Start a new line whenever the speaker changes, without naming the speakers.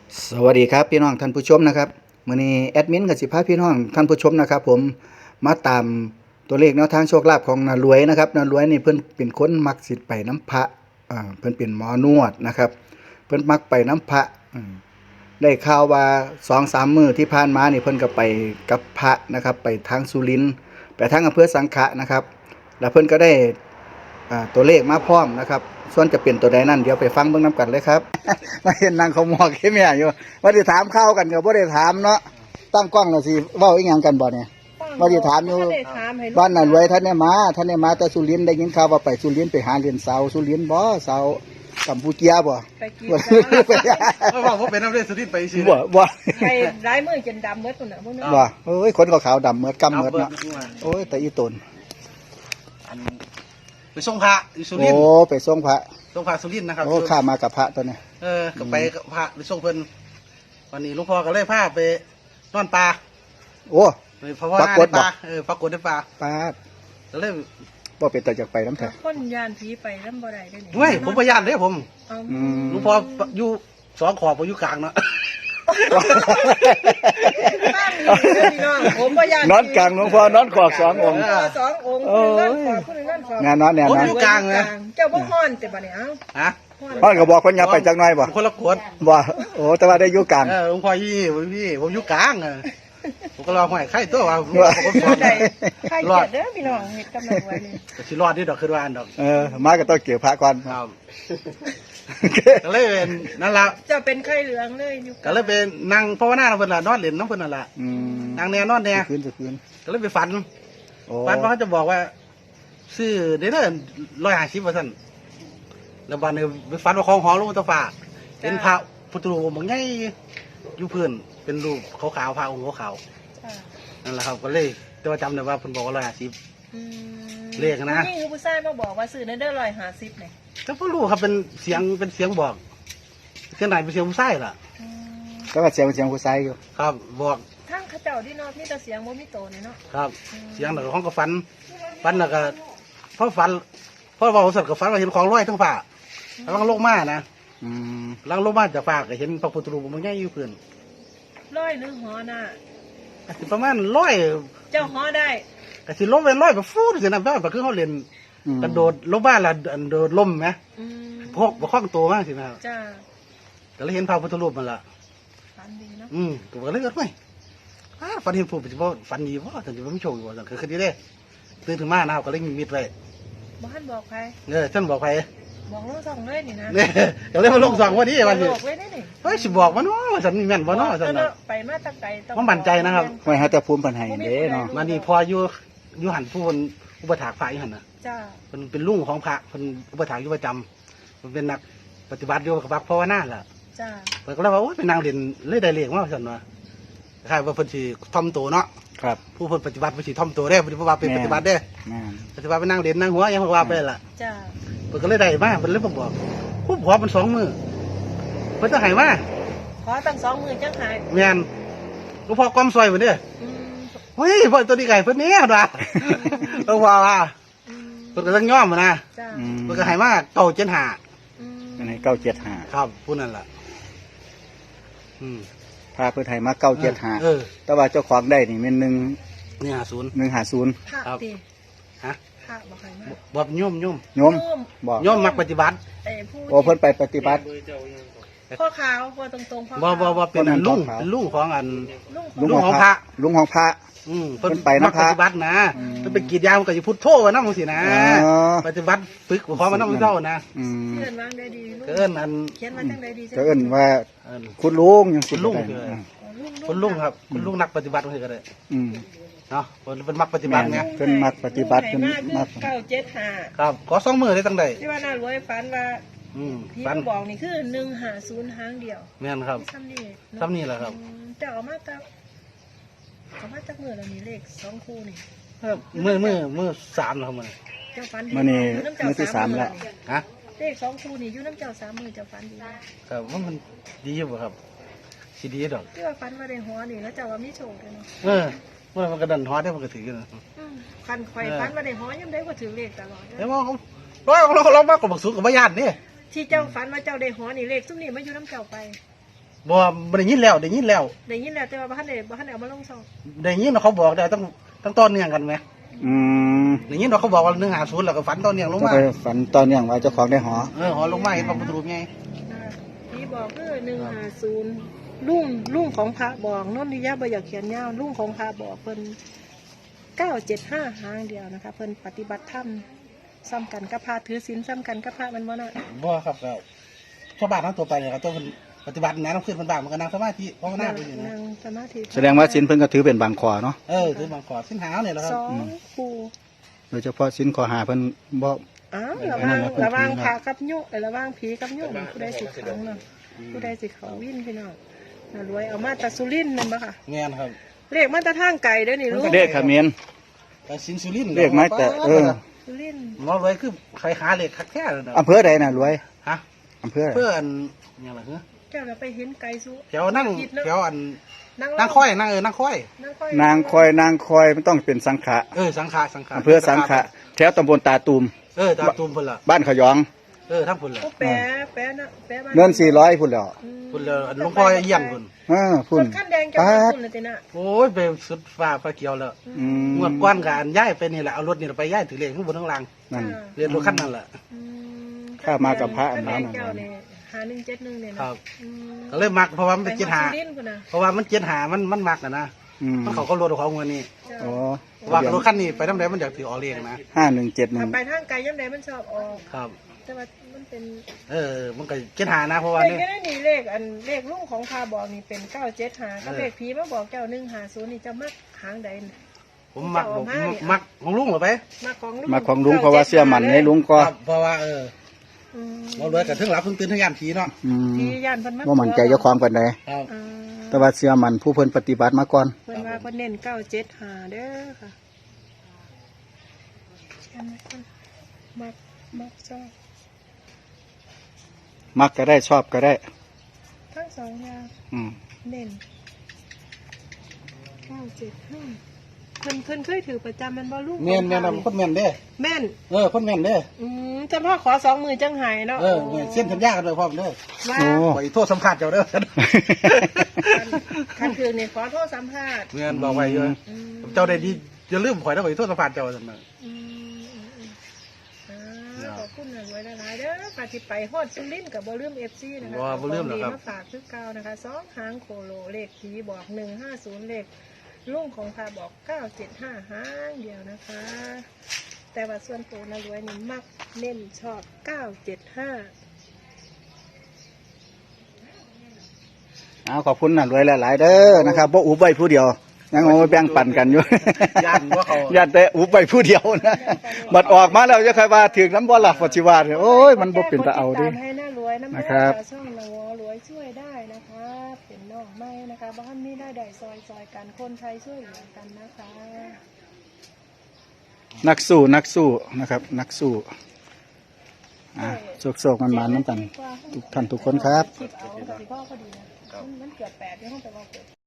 สวัสดีครับพี่น้องท่านผู้ชมนะครับมื้อนี้แอดมินกับสิพาพี่น้องท่านผู้ชมนะครับผมมาตามตัวเลขแนวทางโชคลาภของนารวยนะครับนารวยนี่เพิ่นเป็นคนมักสิไปน้ำพระเพิ่นเป็นหมอนวดนะครับเพิ่นมักไปน้ำพระได้ข่าวว่า 2-3 มื้อที่ผ่านมานี่เพิ่นก็ไปกับพระนะครับไปทางสุรินทร์ไปทางอำเภอสังขะนะครับแล้วเพิ่นก็ได้ตัวเลขมาพร้อมนะครับส่วนจะเป็นตัวใดนั่นเดี๋ยวไปฟังเบิ่งนํกันเลยครับ มาเห็นนางเขาหมอกแค่แม่อยู่ว่าได้ถามข้าวกันก็บ่ได้ถามเนาะตั้งกล้องแล้วสิเว้าอีหยังกันบ่เนี่ยว่าได้ถามอยู่บ้านน่ะรวยท่านได้มาแต่สุรินทร์ได้ยินข่าวว่าไปสุรินทร์ไปหาเรียนเสาสุรินทร์บ่เสากัมพูชาบ่
ไปกิน
ไม่บอกว่าเป็นน้ำเลือดสุดที่ไปสิ
บ่
ไปร้ายมือจนดำเมื่อตุ่นน่ะพวกนี้
บ่เอ้ยคนขาวๆดำเหมือดกำเหมือดเนาะโอ้ยแต่อีตน
ไปส่งพระอยู่สุรินท
โอ้
ร์
ไปส่งพระ
ส่งพระสุรินทร์นะครับ
โอ้ข้ามากับพระตัวนี้
ก็ไปกับพระไปส่งเพิ่นวันนี้หลวงพ่อก็เลยพาไปนอนป่า
โอ้
ไปเพราะว่าในป่าปรากฏในป่า
ปาด
ก็เลย
บ่เป็นตาจากไปน้ำแท้
คนยานผีไปน้ำบ่ได้ได้นี่
เฮ้ยผมพยานเลยผม
เอา
หลวงพ่ออยู่สองขอบผมอยู่กลางเนาะ
บ้านนี่พี่น้องผมบ่ยาน
นอนกลางหลวงพ่อนอนขอบ2 องค์
สององค์คนนึงนั่นขอคนนึงนั่นขอ
แน่นอนแน่นอน
เจ้าบ่ฮ้อนแต่บัดนี้เอ้า
ฮะ
พ่อก็บอกเพิ่นอย่าไปจักหน่อยบ่
คนละกวด
บ่โอ้แต่ว่าได้อยู่กลาง
หลวงพ่อพี่ผมอยู่กลางผมก็รอห้อยไข่ตัวว่าผม
ได้ใครเกิดเด้อพี่น้องเฮ็ดกำลังไว้นี่
สิรอดที่ดอกคือว่าอันดอก
มาก็ต้องเกี่ยวพระก่อน
ครับก็เลยเป็นนั่นละ
เจ้าเป็นไข้เหลืองเลยอยู่
ก็เลยเป็นนั่งภาวนาเพิ่นละนอนเล่นน้ำเพิ่นนั่นละ
อืม
นั่งแน่นอนแน่
คืนคืน
ก็เลยไปฝัน
โอ้
ฝันว่าเขาจะบอกว่าซื้อเดี๋ยวนั้น150ว่าซั่นแล้ววันนี้ไปฝันว่าของหอลงมาตะฟ้าเป็นพระพุทธรูปบางใหญ่อยู่พื้นเป็นรูปขาวๆพระองค์ขาว
ค่ะ
ๆนั่นแหละครับก็เลยแต่ว่าจำได้ว่าเพิ่นบอกว่า150
อืม
เลขนะ
ผู้หญิงหรือผู้ชายมาบอกว่าซื้อในเด้อ150นี่
ก็บ่รู้ครับเป็นเสียงบอกเสียงไหนเป็นเสียงผู้ชายล่ะ
อืม
ก็ว่าเสียงผู้ชายอยู่
ครับบอก
ทางเขาเจ้าที่เนาะมีแต่เสียงบ่มีโตนี่เนาะ
ครับเสียงแล้วก็ของก็ฝันแล้วก็พอฝันพอเว้าสัตว์ก็ฝันว่าเห็นของลอยทั้งฟ้าแล้วลังลงมานะ
อืม
ลังลงมาจากฟ้าก็เห็นพระพุทธรูปมันใหญ่อยู่พื้น
ร้อยหรือหอน่ะ
ก็สิประมาณร้อย
เจ้าหอได้
ก็สิลงไปร้อยแบบฟูดสินะแบบคือเขาเล่นกระโดดลงบ้านละโดดล่มไหม
อืม
พวกบ่คล้องตัวมากสินะ
จ้า
ก็เลยเห็นพระพุทธรูปมันละ
ฝันดีเนาะ
ก็เลยเกิดไม่ฝันเห็นผู้ปฏิบัติฝันดีว่าถึงจะไม่โชคอยู่ว่าคือคดีได้ตื่นถึงมานะครับก็เลยมีมิดไว้
บ่ทันบอกใคร
ท่านบอกไป
บอกลูกสองเลยนี่นะ
เนี่ยก็เลยมาลงสองวันนี้วันนี้
บอกเลยนี่
เฮ้ยสิบอกว่าเนาะว่าฉันมีแม่นบ่เนาะฉัน
เนาะ
น่ะ
ไปมาตั้งไกลต้อง
ผมมั่นใจนะครับ
ไว้หาแต่ภูมิปัญหาเด้เนาะ
มานี่พออยู่หันผู้คนอุปถากพระอยู่หันน่ะ
จ้า
เป็นลุงของพระเป็นอุปถากอยู่ประจำมันเป็นนักปฏิบัติอยู่กับพระภาวนาล่ะ
จ้า
เพิ่นก็เลยว่าโอ้ยเป็นนางเด่นเลยได้เลขมาว่าซั่นว่าคล้ายว่าเพิ่นสิทอมตัวเนาะ
ครับ
ผู้เพิ่นปฏิบัติเพิ่นสิทอมตัวได้เพิ่นว่าเป็นปฏิบัติได้
แม่น
ปฏิบัติเป็นนางเด่นนางหัวยังว่าไปล่ะ
จ้า
เพิ่นก็เลยได้มาเพิ่นเลยบอกผู้ขอมัน2 มื้อเพิ่นจะให้มา
ขอตั้ง20,000จังหาย
แม่นหลวงพ่อกอมซอยเพิ่นเด้อ
อืม
เฮ้ยเพิ่นตัวนี้ไก่เพิ่นแน่ว่ะหลวงพ่อว่า
อืม
เพิ่นก็ต้องยอมนะ
จ้า
อืม
เพิ่นก็ให้มา975
อืม
อันนี้975
ครับผู้นั้นล่ะ
พาเพิ่นให้มา975
เออ
แต่ว่าเจ้าของได้นี่แม่น1
นี่50
150
พระ
ครับ
ติ
ฮะ
พระบอกใครมา
บ่โยม
โยม
โยม
บ่
โยมมักปฏิบัติ
ผู้
โอ้เพิ่นไปปฏิบัติ
พ่อขาวพ่อตรงๆพ่อ
บ่เป็นอันลุงเป็นลุงของอัน
ลุง
ลุงของพระ
ลุงของพระ
เพิ่น
เพิ่นไป
มั
นะ
ก
พระ
ปฏิบัตินะเพิ่นไปกรีดยางมันก็สิพุทโธว่านํจังซี่นะ
อ๋อ
ปฏิบัติฝึกพร้อมมันนำเจ้านะ
อืม
เขียนวางได้ดีลูก
ก็เอิ้นอัน
เขียนมาจังได้ดี
ก็เอิ้นว่า
เอิ้น
คุณลุงยังสิ
คุณลุง
ได้
คือ
อืม
คุณลุงครับคุณลุงนักปฏิบัติก็ได้
อืม
เนาะเพิ่นมักปฏิบัติไง
เพิ่นมักปฏิบัติเพิ่นมัก
975
ครับขอ2มื้อได้ตั้งใด
ที่ว่าน่ารวยฝันว่า ที่
ฟัน
มาบอกนี่คือ150หางเดียว
แม่นครับ
ซ้ำนี่
ซ้ำนี่แหละครับ
แต่เอามาจากมือแล้วนี่เลข2คู่นี่
มื้อ3แล้วครับมื้อ
เจ้าฝันดี
มื้อนี้
ยู่ำเจ้า
มื้อที่
3
สามแล้ว
ฮะ
เลข2คู่นี่อยู่น้ำเจ้า3 มือเจ้าฝันดีนะครับ
ว่ามันดีอยู่บ่ครับสิดีดอก
ที่ว่าฝันว่าได้หัวนี่แล้วเจ้าว่ามีโชคเลยเนาะ
เมื่อมันก็ดันฮอดได้มันก็ถือกันนะ
คันข่อยฝันว่าได้หัวยังได้ก็ถือเลขตลอด
แล้วว่าเรามากกว่าบักสูงกับบ่ญาตินี่
ที่เจ้าฝันว่าเจ้าได้หัวนี่เลขซุ่มนี่มาอยู่น้ำเจ้าไป
บ่ได้ยินแล้วได้ยินแล้ว
ได้ยินแล้วแต่ว่าบ้านไหนเอามาลงช่อง
ได้ยินว่าเขาบอกได้ต้องต้นเนื่องกันไหม
อืม
ได้ยินว่าเขาบอกว่า150แล้วก็ฝันต้นเนื่องลง
จะ
มา
ไปฝันตอนเนี้ยว่าเจ้าของได้หอ
หอลงมาเห็นพระพุทธรูปไง
พี่บอกคือ150ลุงของพระบอกนนทิยาบ่อยากเขียนยาวลุงของพระบอกเพิ่น975หางเดียวนะคะเพิ่นปฏิบัติธรรมซ้ำกันกับพระถือศีลซ้ำกันกับพระมันบ่น่ะ
บ่ครับแล้วชาวบ้านทั้งตัวไปเนี่ยเขาต้องปฏิบัตินะต้องขึ้นบนบ้านมันก็นั่งสมาธิภาวนาไปอยู่นะ
นั่งสมาธิ
แสดงว่าสินเพิ่นก็ถือเป็นบางขอเนาะ
ถือบางขอสิ้นหาวเนี่ยแหละครับ
สองคู่
โดยเฉพาะสินขอหาเพิ่นบ่
อ้าวระวังพระกับโยระวังผีกับโยผู้ใดสิขังเนาะผู้ใดสิเขาวินพี่น้องน่ารวยเอามาตะสุรินทร์นั่นบ่ค่ะ
เงี้ยครับ
เลขมาตะทางไก่เด้อนี่ลูก
เด็กเขมร
แต่สินสุรินทร์
เลขไม้แต่
สุรินทร์
หมอรวยคือใครหาเลขคักแท้เลยนะ
อำเภอใดน่ะรวย
ฮะ
อำเภอใด
เพื่อนอย่างไรเหรอ
เจ้าเราไปเห็นไก่สุ
แถวนั่งแถวอัน
นั่ง
นั่งค่อยนั่งค่อย
นางคอยมันต้องเป็นสังขะ
สังขะ
อำเภอสังขะแถวตำบลตาตูม
ตามตูมพุ่นละ
บ้านขยอง
ทั้งพุ่นละ
โอ้แปะนะแปะบ้าน
เนิน400พุ่นแล้ว
พุ่นละหลวงพ่อเยี่ยมพุ่น
พุ่น
ขั้นแดงจะ
ปา
มา
ด
คุณเลยติน่ะ
โอ้ยไปสุดฟ้าฟ้าเขียวแล้ว
อืม
งวดก้อนกับอันย้ายไปนี่แหละเอารถนี่ไปย้ายถือเลขข้างบนข้างล่าง
นั่น
เรียนรถขั้นนั่นแหละ
ข้ามากับพระอัน
ขั้
นั้น
แดงเจ้าเนี่ย5171เนี่ย
ค
นะ
รับก็เลยมักเพราะว่ามันเป็นเจ็ดหา
ไปฮอดสุรินทร์พุ่นน่ะ
เพราะว่ามันเจ็ดหามันมักนะ
อืม
มันเขาก็รถของเงินนี่
เจ้า
อ๋อ
ว่ารถขั้นนี้ไปทำไรมันอยากถือออกเลขนะ
ถ้า
5171
ไปทางไกลย่ำใดมันชอบออก
ครับ
แต่ว่ามันเป็น
มันก็เจ็ดหานะเพราะว่า
เลข
เนี่ย
แค่นั้นนี่เลขลุงของพาบอกนี่เป็น975กับเลขผีมาบอกเจ้า150นี่จะมักหางใดน่ะ
ผมมักของลุงเหรอไป
มาของลุง
มาของลุงเพราะว่าเสื้อมันในลุงก็
ครับเพราะว่าเราเลยกับทึ่งหลับทึ่งตื่นทึ่งยามผีเนาะ
อืม
ผีย่านเพิ่นมา
บ่มั่นใจเจ้าของปานใด
ครับ
อ่า
แต่ว่าเสื้อมันผู้เพิ่นปฏิบัติมาก่อน
เพิ่นว่าเพิ่นเน้น975เด้อค่ะอันนั้นเพิ่นมักชอบ
มักก็ได้ชอบก็ได้
ทั้งสองอย่าง
อืม
เน้น975เพิ่นเคยถือประจำมันบ่ลุง
แม่นคนแม่นเด้
แม่น
คนแม่นเด้
จำพ่อขอ2มือจังหายเนาะ
เส้นสัญญากันเลยพ่อเด้อ
ว่า
โอ้
ไปโทษสำคัญเจ้าเด้อ
คันคือนี่ขอโทษสัมภาษณ์
เงินบอกไว้เยอะเจ้าได้ดีอย่าลืมข่อยนะไปโทษสำคัญเจ้าสั่นน่ะ
ขอบคุณนะรวยหลายๆเด้อค่ะที่ไปฮอดสุรินทร์กับบ่ลืม FC นะคะ
บ่ลืมหรอกครับ
มาฝากคือเก่านะคะ2หางโคโลเลขผีบอก150เลขลุงของพาบอก975หางเดียวนะคะ แต่ว่าส่วนตัวนะรวยนี่มักเน้นชอบ975
เอาขอบคุณน่ะรวยหลายๆเด้อนะครับบ่อุบไว้ผู้เดียวยังเอาไปแบ่งปันกันอยู่
ย่านว่าเขา
ย่านแต่อุบไว้ผู้เดียวนะบัดออกมาแล้วจะใครว่าถึงน้ำบ่ล่ะปัจจุบันโอ้ยมันบ่เป็นตาเอาดิ
ให้น่ารวยน้ำ
นะครับ
ช่องละวอรวยช่วยได้นะคะ เป็นน้องไม้นะคะบ้านนี้ได้ได้ซอยกันคนไทยช่วยเหลือกันนะคะ
นักสู้นะครับ นักสู้โศกมันน้ำกัน ทุกท่านทุกคนครับ
คิดเอากับพี่พ่อก็ดีนะมันเกือบ8ที่ห้องแต่ว่าเกิด